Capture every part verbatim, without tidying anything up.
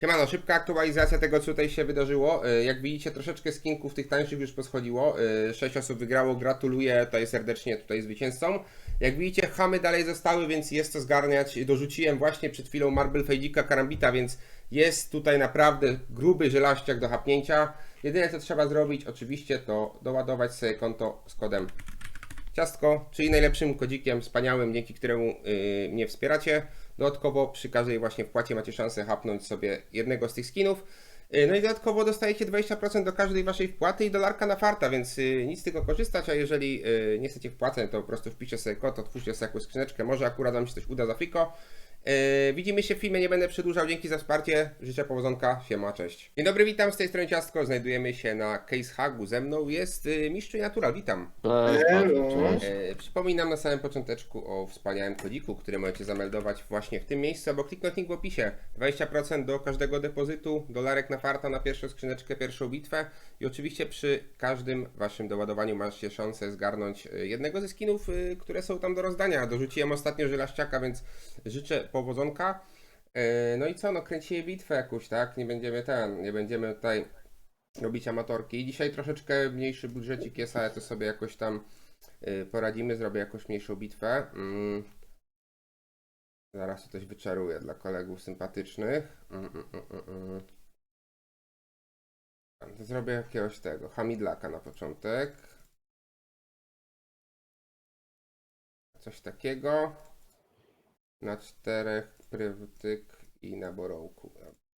Siemano, szybka aktualizacja tego, co tutaj się wydarzyło. Y, Jak widzicie, troszeczkę skinków tych tańszych już poschodziło. Y, Sześć osób wygrało, gratuluję tutaj serdecznie tutaj zwycięzcom. Jak widzicie, chamy dalej zostały, więc jest to zgarniać. Dorzuciłem właśnie przed chwilą Marble Fejdika Karambita, więc jest tutaj naprawdę gruby żelaściak do hapnięcia. Jedyne, co trzeba zrobić, oczywiście, to doładować sobie konto z kodem Ciastko, czyli najlepszym kodzikiem wspaniałym, dzięki któremu yy, mnie wspieracie. Dodatkowo przy każdej właśnie wpłacie macie szansę hapnąć sobie jednego z tych skinów. Yy, no i dodatkowo dostajecie dwadzieścia procent do każdej waszej wpłaty i dolarka na farta, więc yy, nic z tego korzystać, a jeżeli yy, nie chcecie wpłacać, to po prostu wpiszcie sobie kod, otwórzcie sobie jakąś skrzyneczkę, może akurat wam się coś uda za friko. Yy, widzimy się w filmie, nie będę przedłużał, dzięki za wsparcie, życzę powodzonka, siema, cześć. Dzień dobry, witam, z tej strony Ciastko, znajdujemy się na Case Hagu, ze mną jest yy, Mistrz Natural, witam. Cześć, Elo. cześć. E, przypominam na samym począteczku o wspaniałym kodziku, który możecie zameldować właśnie w tym miejscu, albo kliknąć link w opisie. dwadzieścia procent do każdego depozytu, dolarek na farta na pierwszą skrzyneczkę, pierwszą bitwę i oczywiście przy każdym waszym doładowaniu macie szansę zgarnąć e, jednego ze skinów, e, które są tam do rozdania. Dorzuciłem ostatnio żelaściaka, więc życzę powodzonka. E, no i co, no kręcimy bitwę jakąś, tak? Nie będziemy ten, nie będziemy tutaj robić amatorki. I dzisiaj troszeczkę mniejszy budżecik jest, ale to sobie jakoś tam Yy, poradzimy, zrobię jakąś mniejszą bitwę. Mm. Zaraz coś wyczaruję dla kolegów sympatycznych. Mm, mm, mm, mm, mm. To zrobię jakiegoś tego, hamidlaka na początek. Coś takiego. Na czterech prywtyk i na borołku.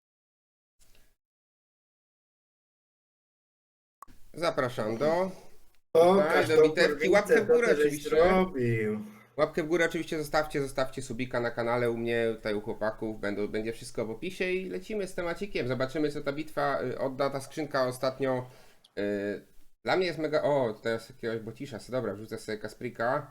Zapraszam do... Pokaż do tą bitewki. kurwicę, Łapkę w co górę ty żeś oczywiście. zrobił. Łapkę w górę oczywiście zostawcie, zostawcie subika na kanale u mnie, tutaj u chłopaków, Będą, będzie wszystko w opisie i lecimy z temacikiem. Zobaczymy, co ta bitwa y, odda, ta skrzynka ostatnio. Y, dla mnie jest mega... O, teraz jakiegoś bocisza, so, dobra, wrzucę sobie Kasprika.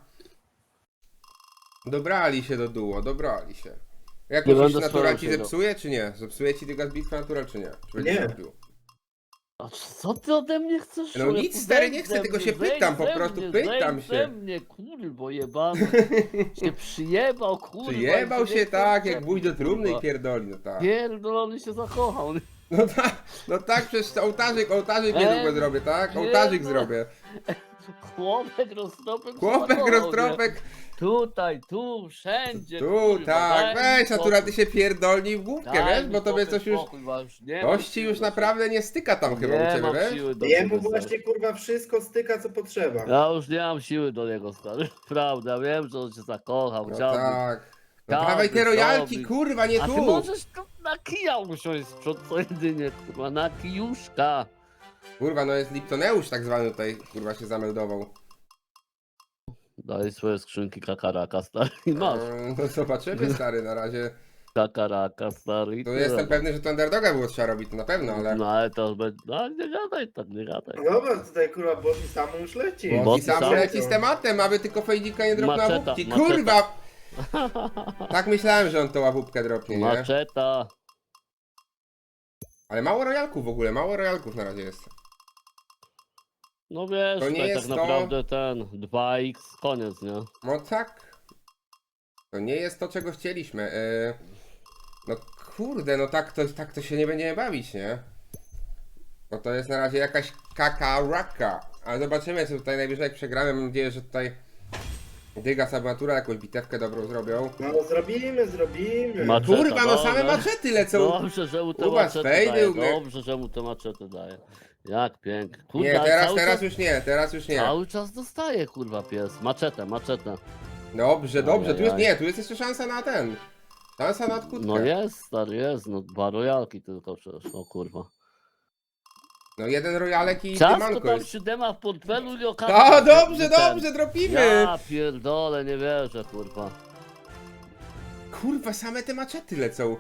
Dobrali się do duo, dobrali się. Jak Nie myślisz, będę Natural ci starał się, no. zepsuje, czy nie? Zepsuje ci tylko bitwa Natural, czy nie? Czy będzie Nie. robił? A co ty ode mnie chcesz? No człowieku? nic, stary, Zejdź nie chcę, ze tylko mnie, się zejdź pytam, po ze prostu mnie, pytam zejdź się. ze mnie, kurwo jebany. Się przyjebał, kurwa. Przyjebał i się nie tak, chce jak wuj do czepić, trumny i kurwa. pierdoli, no tak. Pierdolony się zakochał. No tak, no tak, przez ołtarzyk, ołtarzyk niedługo Eee, zrobię, tak? nie Ołtarzyk no. zrobię. Chłopek roztropek się Chłopek, zakochał, nie? roztropek, Tutaj, tu, wszędzie, tu, kurwa, tak, daj mi weź, natura, ty spokój. się pierdolnij w główkę, Daj wiesz, mi bo tobie spokój, coś już, spokój, bo już nie mam coś ci siły już do naprawdę nie styka tam siebie. chyba u Nie ciebie, mam wiesz? siły do Jemu siebie, właśnie kurwa wszystko styka co potrzeba. Ja już nie mam siły do niego, stary. Prawda, wiem, że on się zakochał, No chciałby. tak. No chciałby dawaj te rojalki, zrobić. kurwa, nie A ty tu! możesz tu na kija usiąść z przodu, co jedynie, kurwa, na kijuszka. Kurwa, no jest Liptoneusz tak zwany tutaj, kurwa, się zameldował. Daj swoje skrzynki kakaraka, stary, i masz. Eee, No zobaczymy, stary, na razie. Kakaraka, stary, i Tu tyle, jestem no. pewny, że to underdoga było trzeba robić, to na pewno, ale... No ale to będzie, no nie gadaj tak, nie gadaj. No dobra, tutaj kurwa Bosi samo już leci. Bo Bo i ty sam sam- leci z tematem, aby tylko Fejdika nie dropnął Maczeta, łapówki. maczeta. Kurwa! Tak myślałem, że on tą łapówkę dropnie, nie? Maczeta. Ale mało rojalków w ogóle, mało rojalków na razie jest. No wiesz, To nie tutaj jest tak to- naprawdę ten dwa iks, koniec, nie? No tak. To nie jest to, czego chcieliśmy. Yy... No kurde, no tak to, tak to się nie będziemy bawić, nie? Bo to jest na razie jakaś kakaraka. Ale zobaczymy, co tutaj najwyżej jak przegramy. Mam nadzieję, że tutaj Dyga Sabatura jakąś bitewkę dobrą zrobią. No zrobimy, zrobimy. Maczeta, Kurwa, no same dobra. maczety lecą. Dobrze, że mu te U was maczety fejdy, daje, u mnie- dobrze, że mu te maczety daje. Jak pięknie. Kurde, Nie, ale teraz, cały teraz czas, już nie, teraz już nie. Cały czas dostaje, kurwa, pies. Maczetę, maczetę. Dobrze, dobrze, tu jest Ajajaj. nie, tu jest jeszcze szansa na ten. Szansa na odkutkę. No jest, stary, jest, no dwa rojalki tylko przecież, o kurwa. No jeden rojalek i Ciasto dymanko tam jest. siódema w portfelu i O, okazja. dobrze, dobrze, dropimy! Ja pierdolę, nie wierzę, kurwa. Kurwa, same te maczety lecą.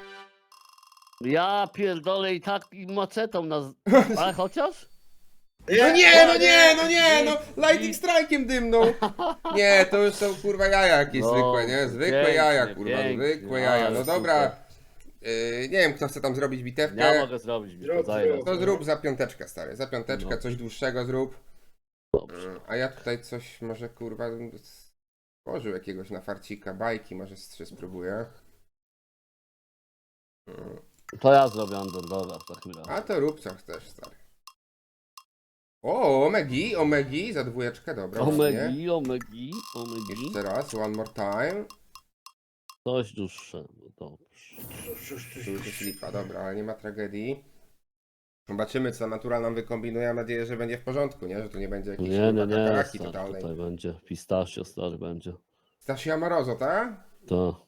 Ja pierdolę i tak i maczetą nas... Ale chociaż? No nie, no nie, no nie, no lightning strike'iem dymną. Nie, to już są kurwa jaja jakieś No, zwykłe, nie? Zwykłe pięknie, jaja, kurwa, pięknie, zwykłe jaja. ale No dobra, super. yy, nie wiem kto chce tam zrobić Ja bitewkę. mogę zrobić, mi Zrób, to zajmę. zrób. To zrób za piąteczkę, stary, za piąteczkę No. coś dłuższego zrób. Dobrze. Yy, A ja tutaj coś może kurwa bym stworzył jakiegoś na farcika, bajki może z trzy spróbuję. Yy. To ja zrobię underdoga w takim razie. A to rób co chcesz, stary. O, omegi, omegi, za dwójeczkę, dobra. ładnie. Omegi, omegi, omegi. Jeszcze raz, one more time. Coś dłuższego, dobrze. Tu już jest lipa, dobra, ale nie ma tragedii. Zobaczymy, co natura nam wykombinuje. Mam nadzieję, że będzie w porządku, nie? Że tu nie będzie jakiejś Nie, nie, nie, kakaraki stary, totalnej. tutaj będzie pistachio, stary, będzie. Stasi Amorozo, tak? To.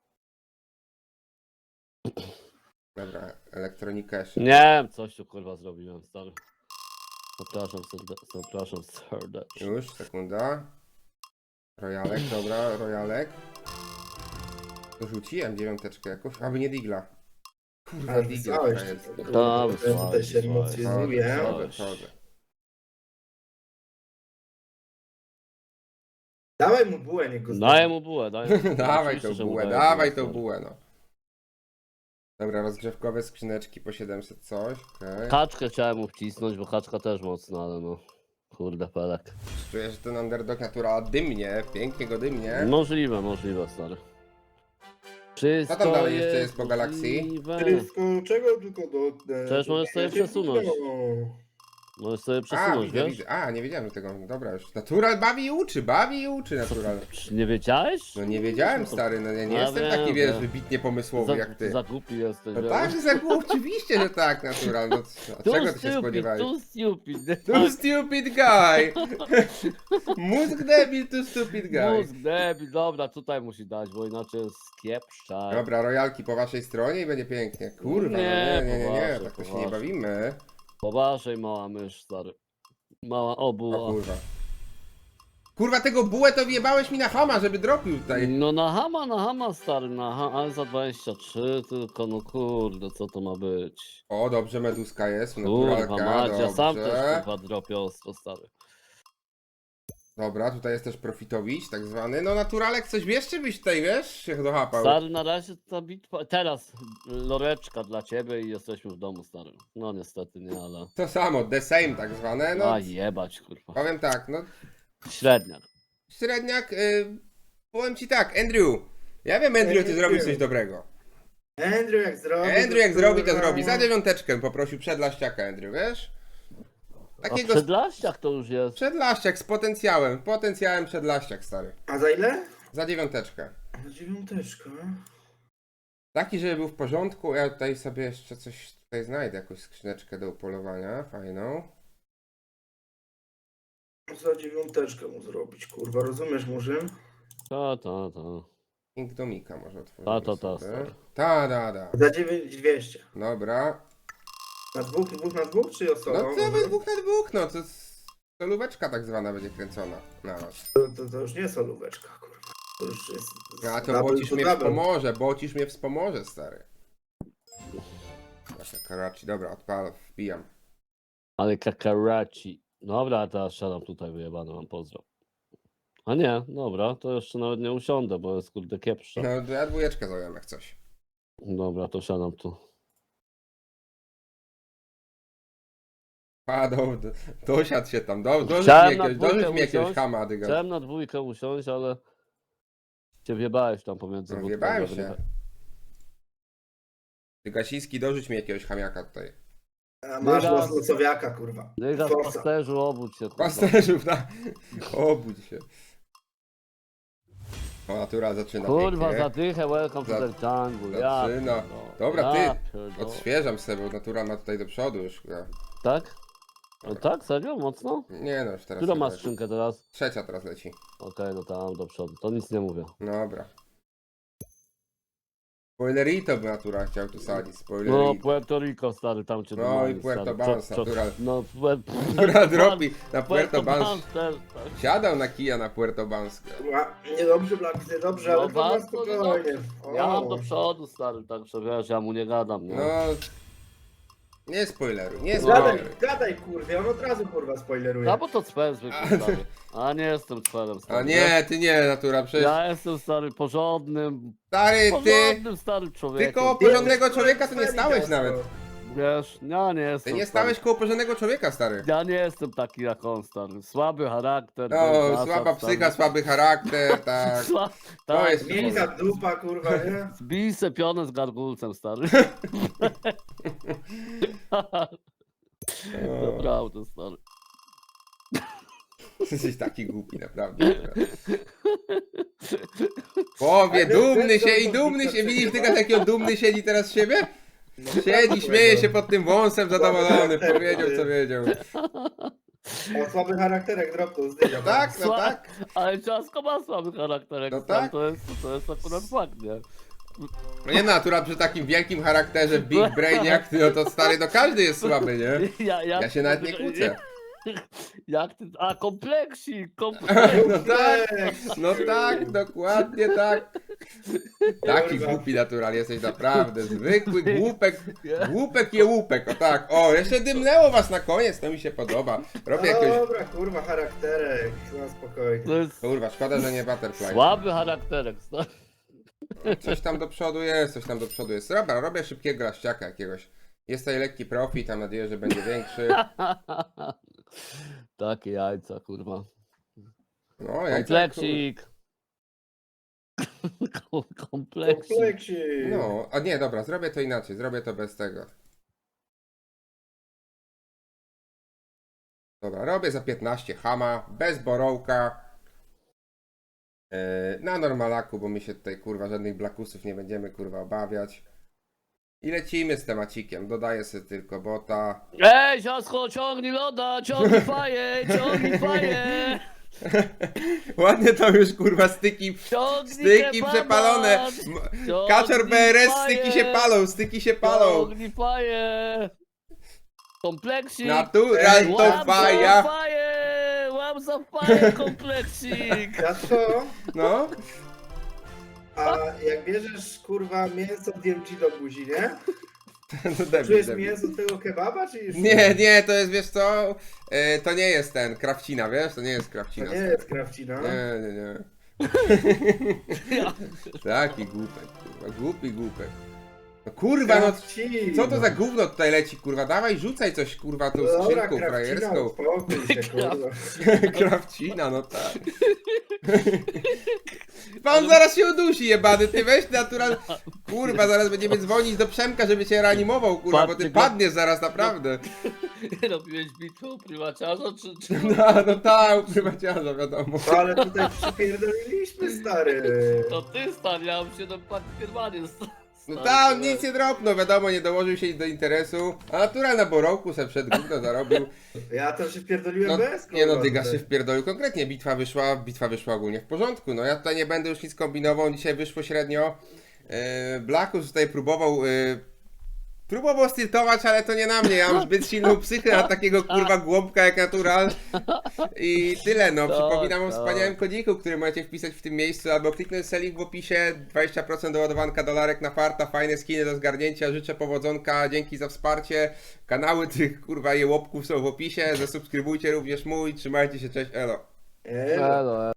Dobra, elektronika jeszcze. Nie wiem, coś tu kurwa zrobiłem, stary. Zapraszam serdecznie, zapraszam serdecznie. Już, sekunda. Rojalek, dobra, rojalek. Rzuciłem dziewiąteczkę jakoś, aby nie digla. Kurwa, Ale digla wysłałeś to jest. to, Tak, kurwa, wysłałeś, tutaj się wysłałeś. emocjonuje. Chodzę, chodzę. Dawaj mu bułę, niech go Daję mu bułę, daję mu Dawaj Oczywiście, tą że mu bułę, daję dawaj bułę, tą stary. bułę, no. Dobra, rozgrzewkowe skrzyneczki po siedemset coś, okej. Kaczkę chciałem mu wcisnąć, bo kaczka też mocna, ale no. Kurde, pelek. Czuję, że ten underdog natura dymnie, pięknie go dymnie. Możliwe, możliwe, stary. Wszystko Co tam dalej jeszcze jest po galakcji? możliwe. Wszystko, czego tylko do... Przecież możesz sobie przesunąć. Możesz sobie A, przesunąć, widzę, wiesz? widzę. A, nie wiedziałem tego. Dobra, już. Natural bawi i uczy, bawi i uczy natural. Czy nie wiedziałeś? No nie wiedziałem, stary, no ja nie Ja jestem wiem, taki, wiesz, wiem. wybitnie pomysłowy Za, jak ty. za głupi jesteś, No wiesz? tak, że za głupi, oczywiście, że tak, natural. No, co- Too czego ty się stupid, spodziewałeś? too stupid. nie? Too stupid guy! Mózg debil, too stupid guy. Mózg debil, dobra, tutaj musi dać, bo inaczej jest kiepszczak. Dobra, rojalki po waszej stronie i będzie pięknie. Kurwa, Nie, no nie, nie, nie, nie, poważnie, tak to się nie poważnie. bawimy. Po waszej mała mysz, stary. Mała O obuła. kurwa. Kurwa, tego bułę to wjebałeś mi na hama, żeby dropił tutaj. No na hama, na hama, stary, na hama, ale za dwadzieścia trzy tylko, no kurde, co to ma być? O, dobrze, meduska jest, Kurwa, naturalka, Madzia, sam też dobrze. kurwa dropię ostro, stary. Dobra, tutaj jest też profitowicz, tak zwany. No naturalek coś wiesz, czy byś tutaj, wiesz, się dochapał? Stary, na razie ta bitwa, teraz loreczka dla ciebie i jesteśmy w domu, stary. No niestety nie, ale... To samo, the same tak zwane, no. A jebać, kurwa. Powiem tak, no, Średniak. średniak, y, powiem ci tak, Andrew. Ja wiem, Andrew, ty zrobisz coś dobrego. Andrew jak zrobi... Andrew jak zrobi, to kurwa, zrobi. Za dziewiąteczkę poprosił przedlaściaka, Andrew, wiesz? A Takiego przedlaściak to już jest. przedlaściak z potencjałem, potencjałem przedlaściak, stary. A za ile? Za dziewiąteczkę. Za dziewiąteczkę. Taki, żeby był w porządku, ja tutaj sobie jeszcze coś tutaj znajdę, jakąś skrzyneczkę do upolowania, fajną. Za dziewiąteczkę mu zrobić, kurwa, rozumiesz, Murzyn? Ta, ta, ta. Inkdomika może otworzyć. Ta, ta, ta, sobie. stary. Ta, da, da. Za dziewięć dwieście. Dobra. Na dwóch, dwóch na dwóch, czy osobą? No to we dwóch na dwóch, no to jest solóweczka tak zwana będzie kręcona na was. To, to, to już nie solóweczka, kurwa. To już jest... A to double bocisz to mnie double. wspomoże, bocisz mnie wspomoże, stary. Taka karachi, dobra, odpalam, wbijam. Ale kakaraci. Dobra, teraz siadam tutaj wyjebany, mam pozdro. A nie, dobra, to jeszcze nawet nie usiądę, bo jest kurde kiepsza. No to ja dwójeczkę zająłem jak coś. Dobra, to siadam tu. A, do, do, dosiadł się tam, do, dorzuć mi Chciałem na jakiegoś, dwójkę dorzuć mi jakiegoś usiąść. hama, dyga. Chciałem na dwójkę usiąść, ale cię wjebałeś tam pomiędzy No, budkami, wjebałem żeby się. nie- Ty Gasiński, dorzuć mi jakiegoś chamiaka tutaj. A masz Dyga. los losowiaka, kurwa. Dyga, Forsa. pasterzu, obudź się. kurwa. Pasterzów, na... Obudź się. O, natura zaczyna Kurwa, pięknie. zadychę, welcome Za- to the jungle. Ja zaczyna. pierdolę, Dobra, ty, ja pierdolę. Odświeżam sobie, bo natura ma tutaj do przodu już. Ja. Tak? No tak, serio? Mocno? Nie no, już teraz. Którą nie masz leci. skrzynkę teraz? Trzecia teraz leci. Okej, no tam do przodu, to nic nie mówię. Dobra. Spoilerito by natura chciał tu sadzić. No, Spoilerito. Puerto Rico, stary, tam cię No domali, i Puerto stary. Banz, Czo- czo- natural. No, Puerto Natura dropi na Puerto Banz. Banz też, tak. Siadał na kija na Puerto Banz. Kurwa, niedobrze, Blaki, niedobrze, No ale to na bardzo spokojnie. Ja mam O. do przodu, stary, także wiesz, ja mu nie gadam, nie? No. Nie spoileruj, nie Gadaj, spoileruj. gadaj, kurwa, on od razu, kurwa, spoileruje. A bo to cwer zwykły, stary. A nie jestem cwerem, stary. A nie, ty nie, natura, przecież. Ja jestem, stary, porządnym, Stary, ty. porządnym, starym człowiekiem. Tylko Ty porządnego jesteś człowieka to nie kurwa stałeś ciasto. nawet. Wiesz, ja nie Ty jestem. nie stary. stałeś koło porządnego człowieka, stary. Ja nie jestem taki jak on, stary. Słaby charakter. bez No, zasad, słaba stary. psycha, słaby charakter, tak. Sła... To tak, jest- Miękka dupa, kurwa, nie? Zbij se pionę z gargulcem, stary. Naprawdę, stary. Jesteś taki głupi, naprawdę. Powie, Ale dumny wiesz, co się i to dumny się. Wiktor Widzisz, przegrywa? tylko jaki on dumny siedzi teraz z siebie? Siedzi, śmieje się pod tym wąsem, zadowolony. Powiedział, co wiedział. O słaby charakterek dropnął z dynia. Tak, no Sła- tak. Ale ciasko ma słaby charakterek, No stary, tak. to, jest, to jest akurat fakt, nie? No nie natura przy takim wielkim charakterze, big brain jak ty, no to stary, no każdy jest słaby, nie? Ja, jak Ja się nawet nie kłócę. Jak ty... A, kompleksik, kompleksik. No tak, no tak, dokładnie tak. Taki głupi natural jesteś naprawdę, zwykły głupek, głupek je łupek, o tak. O, jeszcze dymnęło was na koniec, to mi się podoba. Robię jakiegoś, Dobra, kurwa, charakterek. Na spokojnie. To jest kurwa, szkoda, że nie butterfly. słaby charakterek, stary. Coś tam do przodu jest, coś tam do przodu jest. Dobra, robię szybkiego laściaka jakiegoś. Jest tutaj lekki profit, mam nadzieję, że będzie większy. Takie jajca, kurwa. No, ja i tak, Kompleksik. Kompleksik. Kompleksik. no, a nie, dobra, zrobię to inaczej, zrobię to bez tego. Dobra, robię za piętnaście hama, bez borołka. Yy, na normalaku, bo my się tutaj kurwa żadnych blakusów nie będziemy kurwa obawiać. I lecimy z temacikiem, dodaję sobie tylko bota. Ej, ciasko, ciągnij loda, ciągnij faję, ciągnij faję. Ładnie to już kurwa styki, Ciągnij styki kebaba, przepalone. M- ciągnij Kaczor B R S, faję, styki się palą, styki się palą. Ciągnij faję. Kompleksik. Natural to Łap za faja. faję, łap za faję, kompleksik. Ja co? No, A jak bierzesz, kurwa, mięso D M G do buzi, nie? no debil, Czujesz debil. mięso tego kebaba, czy już Nie, nie, to jest, wiesz co, e, to nie jest ten, krawcina, wiesz, to nie jest To krawcina. nie jest krawcina. Nie, nie, nie. Taki głupek, kurwa, głupi głupek. No kurwa, no Krawcina. co to za gówno tutaj leci, kurwa, dawaj rzucaj coś, kurwa, tą Dobra, skrzynką krawcina, frajerską. uspokój się, kurwa. Krawcina, no tak. Pan zaraz się udusi, jebany, ty weź natural. Kurwa, zaraz będziemy dzwonić do Przemka, żeby cię reanimował, kurwa, bo ty Patrzcie go. padniesz zaraz, naprawdę. Robiłeś bitwę u prywaciarza, czy... czy... No, no tak, prywaciarza, wiadomo. No, ale tutaj przypierdoliliśmy, stary. To ty, stary, ja bym się do pakierwanie No tam nic nie dropnął, wiadomo, nie dołożył się do interesu. A natural na borołku se przed gówno zarobił. Ja tam się wpierdoliłem No, bez, nie no, kurwa, Dyga tutaj. się wpierdolił konkretnie, bitwa wyszła, bitwa wyszła ogólnie w porządku. No ja tutaj nie będę już nic kombinował, dzisiaj wyszło średnio. Yy, Blackus tutaj próbował, yy, próbował stiltować, ale to nie na mnie, ja mam zbyt silną psychę na takiego kurwa głąbka jak natural. I tyle, no, Tak, przypominam o tak. wspaniałym kodiku, który możecie wpisać w tym miejscu, albo kliknąć sobie link w opisie, dwadzieścia procent doładowanka dolarek na farta, fajne skiny do zgarnięcia, życzę powodzonka, dzięki za wsparcie. Kanały tych kurwa jełopków są w opisie, zasubskrybujcie również mój, trzymajcie się, cześć, elo. Ej, Elo,